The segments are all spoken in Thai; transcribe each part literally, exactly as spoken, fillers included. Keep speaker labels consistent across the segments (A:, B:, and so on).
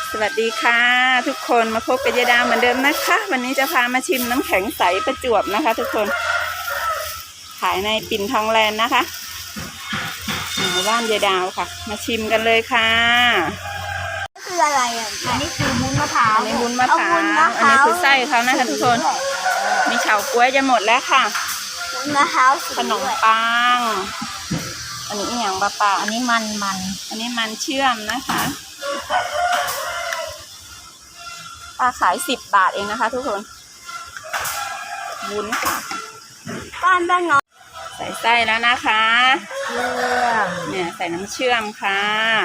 A: สวัสดีค่ะทุกคนมาพบกับยายดาวเหมือนเดิมนะคะวันนี้จะพามาชิมน้ำแข็งใสประจวบนะคะทุกคนขายในปิ่นทองแลนด์นะคะหมู่บ้านยายดาวค่ะมาชิมกันเลยค่ะ
B: คืออะไรอ่ะอันนี้คือวุ้นมะพร้าว
A: อันนี้วุ้นมะพร้าวอันนี้คือไส้เขานะคะทุกคนมีเฉาก๊วยจะหมดแล้วค่ะ
B: วุ้นมะพร้าว
A: ขนมปังอันนี้อย่างปลาปลา
B: อันนี้มันมัน
A: อันนี้มันเชื่อมนะคะป้าขายสิบบาทเองนะคะทุกคนวุ้นค่ะ
B: บ้านบ้านน้อง
A: ใส่ไส้แล้วนะคะ
B: เชื่อม
A: เนี่ยใส่น้ำเชื่อมค่ะ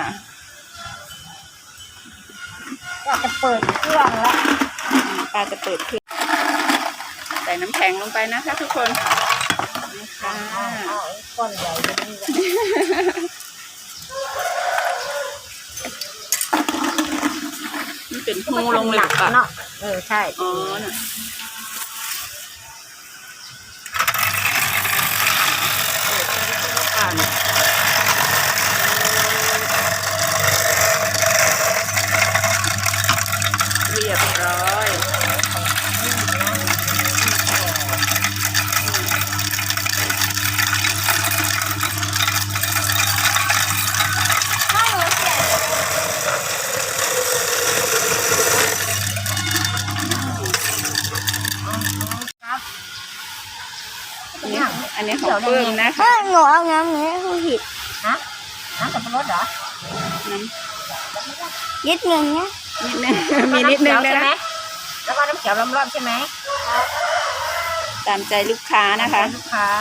B: ก็จะเปิดเครื่องแล้ว
A: ป้าจะเปิดเครื่องใส่น้ำแข็งลงไปนะคะทุกคนนี่ค่ะ
B: ก้อนใหญ่เลย
A: นี่เป็นหูลงหลักอ่ะ
B: เออใช่
A: อ๋อน่ะเรียบร้อยอันนี้อันนี้ของเพิ่มนะคะ
B: หนูเอาน้ำนี้คือผิดฮะน้ำสับปะรดเหรอ
A: น้
B: ำนิดนึงเนี่ย
A: นิดนึงมีนิดนึงใช่ไหม
B: แล้วก็น้ำเขียวล้อมๆใช่ไหม
A: ตามใจลูกค้านะคะ
B: ลูกค้า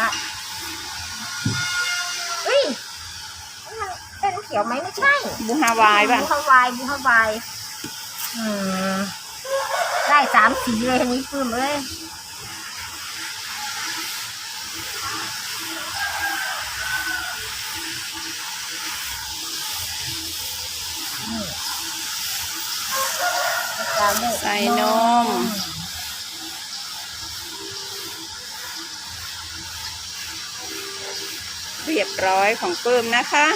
B: เฮ้ยเป็นน้ำเขียวไหมไม่ใช่
A: บูฮาวายป่ะ
B: บูฮาวายบูฮาวายอืมได้สามสีเลยนี้ปื้มเลย
A: ใส่นมเรียบร้อยของเพิ่มนะคะ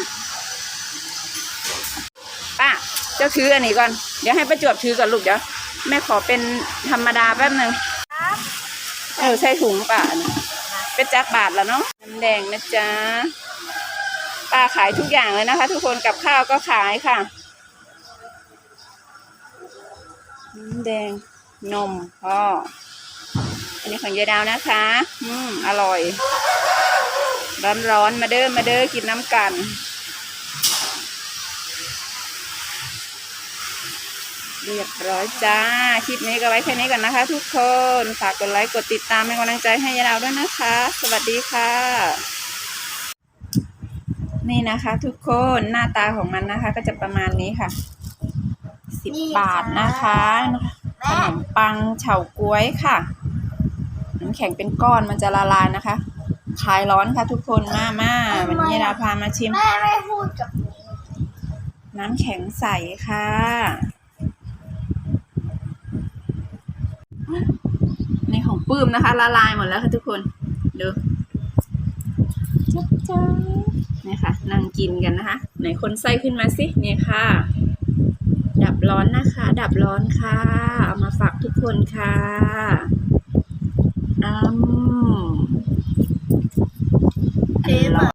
A: ป้าเจ้าถืออันนี้ก่อนเดี๋ยวให้ประจวบถือก่อนลูกเดี๋ยวแม่ขอเป็นธรรมดาแป๊บนึงเออใส่ถุงป้าเป็นจักบาทแล้วเนาะน้ำแดงนะจ๊ะป้าขายทุกอย่างเลยนะคะทุกคนกับข้าวก็ขายค่ะน้ำแดงนมพ่ออันนี้ของยายดาวนะคะอืมอร่อยร้อนร้อนมาเด้อมาเด้อกินน้ำกันเรียบร้อยจ้าคลิปนี้ก็ไว้แค่นี้ก่อนนะคะทุกคนฝากกดไลค์กดติดตามเป็นกำลังใจให้ยายดาวด้วยนะคะสวัสดีค่ะนี่นะคะทุกคนหน้าตาของมันนะคะก็จะประมาณนี้ค่ะสิบบาทนะคะขนมปังเฉาก๊วยค่ะน้ำแข็งเป็นก้อนมันจะละลายนะคะคลายร้อนค่ะทุกคนมามาวันนี้เราพามาชิม
B: แม่ไม่พูดกับ
A: น้ำแข็งใสค่ะในของปื้มนะคะละลายหมดแล้วค่ะทุกคนดูจ๊ะจ๊ะนี่ค่ะนั่งกินกันนะคะไหนคนไส้ขึ้นมาสินี่ค่ะดับร้อนนะคะดับร้อนค่ะเอามาฝากทุกคนค่ะอืม